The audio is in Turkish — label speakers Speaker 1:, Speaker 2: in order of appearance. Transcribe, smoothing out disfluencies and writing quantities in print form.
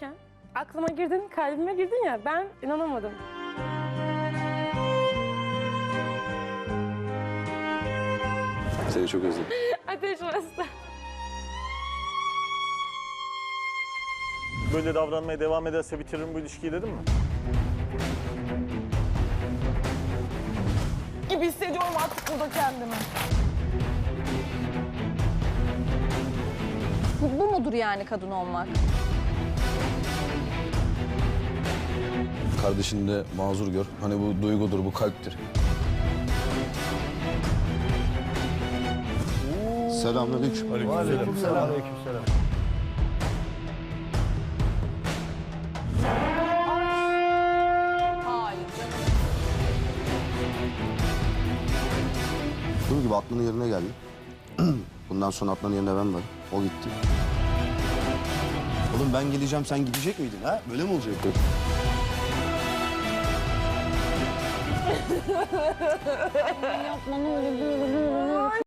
Speaker 1: derken aklıma girdin, kalbime girdin ya, ben inanamadım.
Speaker 2: Seni çok özledim.
Speaker 1: Ateş orası.
Speaker 3: Böyle davranmaya devam ederse bitiririm bu ilişkiyi dedim mi?
Speaker 4: Gibi hissediyorum artık burada kendimi.
Speaker 5: Bu mudur yani kadın olmak?
Speaker 2: Kardeşini de mazur gör. Hani bu duygudur, bu kalptir. Selamünaleyküm.
Speaker 3: Aleykümselam.
Speaker 5: Hayır canım.
Speaker 6: Bunun gibi Atlı'nın yerine geldi. Bundan sonra Atlı'nın yerine ben varım. O gitti. Oğlum ben geleceğim, sen gidecek miydin ha? Böyle mi olacak?
Speaker 5: Yapma ne olur.